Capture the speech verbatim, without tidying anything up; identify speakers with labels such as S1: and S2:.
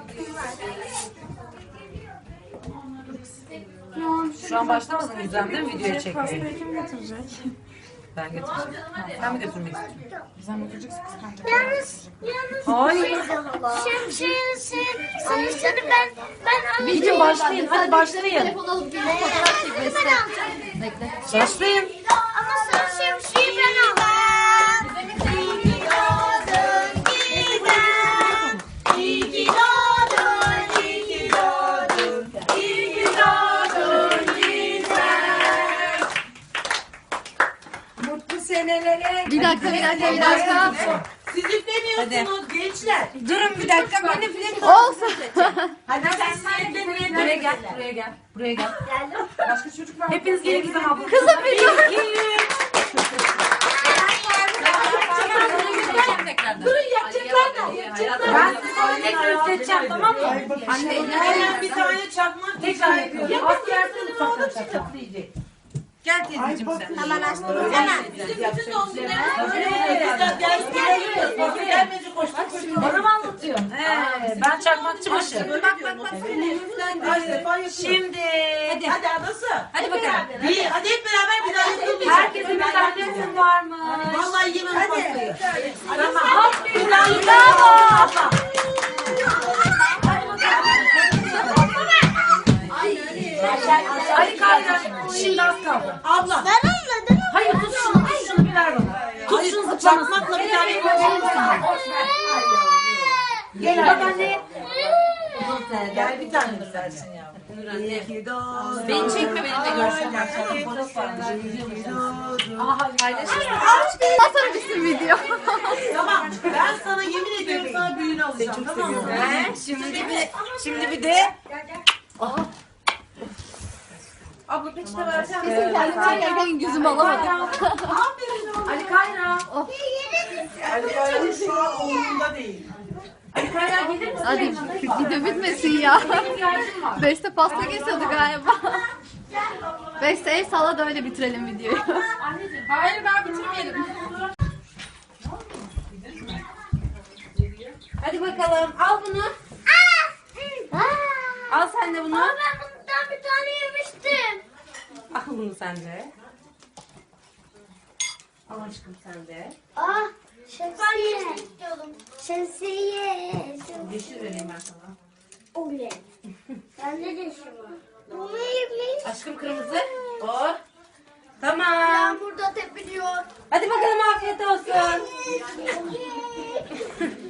S1: Şu an başlamadın Gizem değil mi videoya çekmeye?
S2: Pastayı kim getirecek?
S1: Ben getireceğim. Sen mi götürmek istiyorsun?
S2: Gizem götüreceksin kız bence.
S3: Yalnız, yalnız.
S1: Hayır.
S3: Şemsiye sen, sayısını ben, ben alayım.
S1: Gidin başlayın. Hadi başlayın.
S4: Telefon alıp bir fotoğraf çek Beste. Bekle.
S1: Başlayın.
S3: Ama sen şemsiyeyi ben alayım. İyi ki doğdun Gizem. İyi ki doğdun, iyi ki doğdun. İyi ki doğdun Gizem.
S5: Mutlu senelere.
S4: Bir dakika, bir dakika, bir dakika.
S5: Siz üflemiyorsunuz gençler.
S1: Durun bir dakika. Ben de film
S4: Olsun.
S5: Hadi sen üflemeyin.
S1: Buraya gel. Buraya gel. Buraya gel.
S3: Geldim.
S1: Başka çocuk var. Hepiniz gelin Gizem abla.
S4: Kızım bir dur.
S5: Durun yapacaklar ne? Yapacaklar.
S1: Ben size sonra tekrar üfleteceğim, tamam mı? Anne
S5: Hemen bir tane çakmak
S1: tekrar yapıyorum. Az yersin mutfaktan çakma. Gel teyzeciğim sen.
S3: Hemen açtım. Hemen.
S5: Bütün doğumcularına böyle güzel ders geliyor. Sosyal gelmeyince koştuk koştuk.
S1: Bana mı anlatıyorsun? He, ben çakmakçı başı.
S5: Bak bak bak. Kaç defa yapıyorsun.
S1: Şimdi.
S5: Hadi hadi adası.
S1: Hadi bakalım.
S5: Bir, hadi hep beraber bir daha yapalım.
S1: Herkesin bir tanesi var mı?
S5: Vallahi yemem pastayı.
S1: Tamam. Aferin. Bravo. Ali Kayra. Şimdi az kaldı.
S5: Abla.
S3: Ben anladım.
S1: Hayır tut şunu. Tut şunu bir ver bana. Tut şunu zıplamasın.
S5: Çakmakla bir tane yapalım.
S1: Gel bak anne.
S5: Gel bir tane de versin yavrum. İyi ki doğdun.
S1: Beni çekme, beni de görsün. Aha paylaşırım.
S4: Atarım bizim video.
S5: Tamam. Ben sana yemin ediyorum sana büyüğünü alacağım. Tamam mı?
S1: He, şimdi bir şimdi bir de
S5: Abla peçete versene.
S4: Kesin kendim çekerken gözümü alamadım.
S1: Ali Kayra.
S5: Ali Bayram'ın şu an umurunda değil.
S1: Ali Kayra gelir misin?
S4: Hadi video bitmesin ya. Beste pasta kesiyordu galiba. Beste el salla da öyle bitirelim videoyu.
S1: Hayır ben bitirmeyelim. Hadi bakalım al bunu. Al sen de bunu.
S3: Ama ben bundan bir tane yemiştim.
S1: Al bunu sen de. Al aşkım sen de.
S3: Ah, şemsiye. Şemsiye.
S1: Yeşil vereyim ben sana.
S3: Oley. Ben de yeşil var. Bunu yemiş.
S1: Aşkım kırmızı. O. Tamam.
S3: Yağmurda tepiniyor.
S1: Hadi bakalım afiyet olsun.